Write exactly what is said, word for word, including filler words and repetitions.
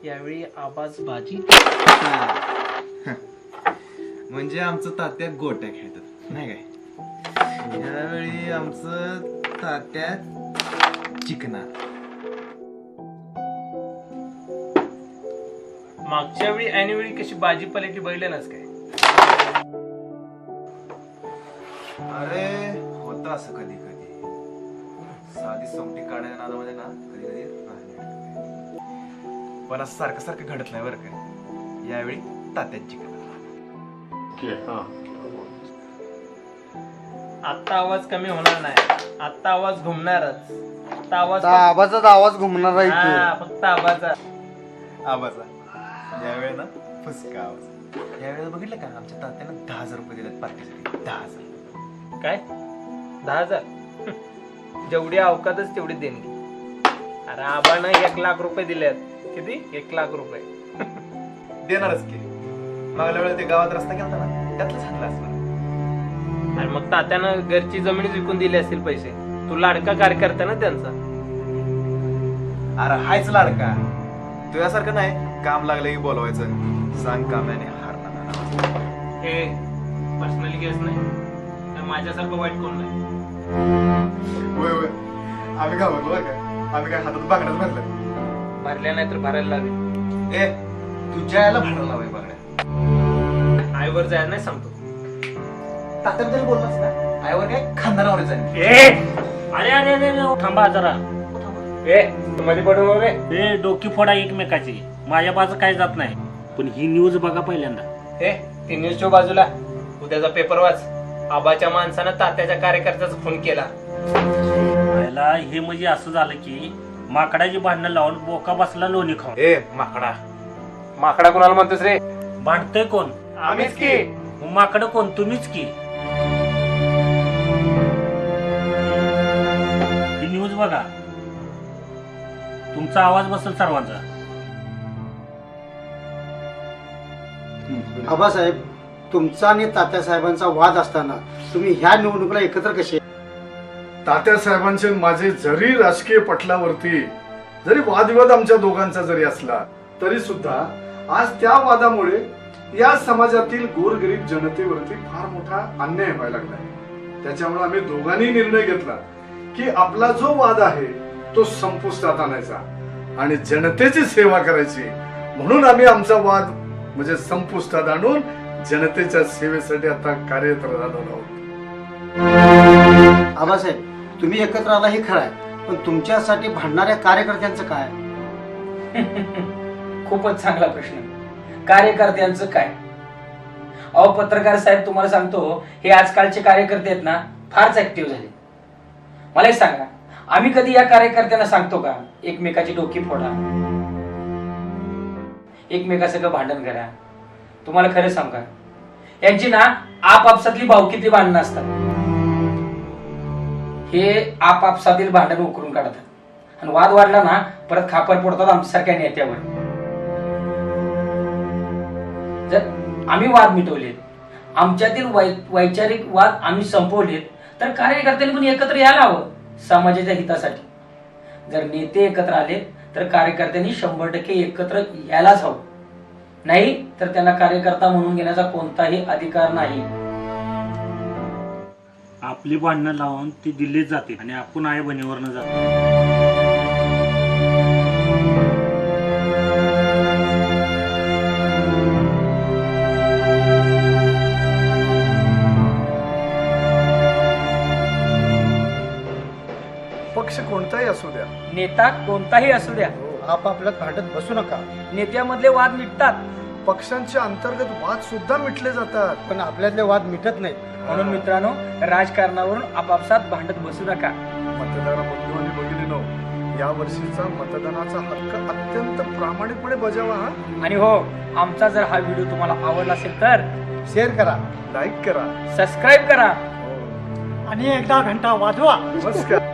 यावेळी आवाज भाजी. म्हणजे आमचं तात्या गोट्या खेळतात नाही काय. यावेळी आमचं तात्या चिकना. मागच्या वेळी ऐनवेळी कशी भाजीपाल्याची बैलेनच काय. अरे होतं असं कधी कधी. साधी सोमटी काढायच्या नादामध्ये ना कधी कधी राहणे. पण असं सारखं सारखं घडत नाही बरं काय. यावेळी तात्याची चिकना. आता आवाज कमी होणार नाही. आता आवाज घुमणारच. आता आवाज आवाजाचा आवाज घुमणार आहे हा, इथे. फक्त आवाजा. आवाजा. यावेळी ना फुसका आवाज. यावेळेला बघितलं का आमच्या तात्यानं दहा हजार रुपये दिलेत पार्टीसाठी. दहा हजार. काय दहा हजार जेवढी अवकातच तेवढी देणगी. अरे आबानं एक लाख रुपये दिलेत. किती? एक लाख रुपये देणारच की. मागल्या वेळेला ते गावात रस्ता केला ना त्यातलं चांगलं असणार. आणि मग तात्यानं घरची जमीन विकून दिली असतील पैसे. तू लाडका कार्यकर्ता ना त्यांचा. अरे हायच लाडका. तुझ्यासारखं नाही काम लागलं की बोलवायचं. सांग काम्याने हारणार. हे पर्सनली केस नाही. तर माझ्यासारखं वाईट कोण नाही. होय होय आम्ही काय बोललो का. आम्ही काय हातात बागड्यात भरलं. भरल्या नाही तर भरायला लावे. ए तुझ्या याला भांडण लावाय बागड्या. आईवर जायला नाही सांगतो. तात्याबद्दल बोललास ना. आईवर काय खानदारावर जाईल. अरे अरे अरे थांबा जरा. ए मध्ये पडून रे. हे डोकी फोडा एकमेकाची. माझ्या बाजू काय जात नाही. पण ही न्यूज बघा पहिल्यांदा. ए ती न्यूजच्या बाजूला उद्याचा पेपर वाच. आबाच्या माणसानं तात्याच्या कार्यकर्त्याचा खून केला. पहिला हे म्हणजे असं झालं की माकडाची भांडणं लावून बोका बसला लोणी खाऊन. ए माकडा. माकडा कोणाला म्हणतोस रे. भांडतोय कोण? आम्हीच की. मग माकडं कोण? तुम्हीच की. ही न्यूज बघा. तुमचा आवाज बसेल सर्वांचा. आबासाहेब तुमचा आणि तात्यासाहेबांचा वाद असताना तुम्ही ह्या निवडणुकीला एकत्र कसे. तात्यासाहेबांचे माझे जरी राजकीय पटलावरती जरी वादविवाद आमच्या दोघांचा जरी असला तरी सुद्धा आज त्या वादामुळे या समाजातील गोरगरीब जनतेवरती फार मोठा अन्याय व्हायला लागलाय. त्याच्यामुळे आम्ही दोघांनी निर्णय घेतला की आपला जो वाद आहे तो संपुष्टात आणायचा आणि जनतेची सेवा करायची. म्हणून आम्ही आमचा वाद म्हणजे संपुष्टात आणून जनतेच्या सेवेसाठी आता कार्यरत झालो आहोत. आबासाहेब तुम्ही एकत्र आला हे खरं आहे. पण तुमच्यासाठी भांडणाऱ्या कार्यकर्त्यांचं काय. खूपच चांगला प्रश्न. कार्यकर्त्यांचं काय. अहो पत्रकार साहेब तुम्हाला सांगतो हे आजकालचे कार्यकर्ते आहेत ना फारच ऍक्टिव्ह झाले. मला एक सांगा आम्ही कधी या कार्यकर्त्यांना सांगतो का एकमेकाची डोकी फोडा एकमेकासंग भांडण करा. तुम्हाला खरं सांगा यांची ना आपापसातली भावकीतली भांडणं असतात. हे आपापसातील भांडण उकरून काढतात आणि वाद वाढला ना परत खापर पडतात आमच्यासारख्या नेत्यावर. जर आम्ही वाद मिटवलेत आमच्यातील वैचारिक वाद आम्ही संपवलेत तर कार्यकर्त्यांनी पण एकत्र यायला हवं समाजाच्या हितासाठी. जर नेते एकत्र आले तर कार्यकर्त्यांनी शंभर टक्के एकत्र यायलाच हवं. नाही तर त्यांना कार्यकर्ता म्हणून घेण्याचा कोणताही अधिकार नाही. आपली भांडणं लावून ती दिल्लीत जाते आणि आपण आई बहिणीवरनं जातो. पक्ष कोणताही असू द्या नेता कोणताही असू द्या आपापल्यात भांडत बसू नका. नेत्यामधले वाद मिटतात. पक्षांचे अंतर्गत वाद सुद्धा मिटले जातात. पण आपल्यातले वाद मिटत नाहीत. म्हणून मित्रांनो राजकारणावरून आपापसात भांडत बसू नका. मतदार बंधू आणि भगिनींनो या वर्षीचा मतदानाचा हक्क अत्यंत प्रामाणिकपणे बजावा. हा आणि हो आमचा जर हा व्हिडिओ तुम्हाला आवडला असेल तर शेअर करा. लाईक करा. सबस्क्राईब करा आणि एकदा घंटा वाजवा. नमस्कार.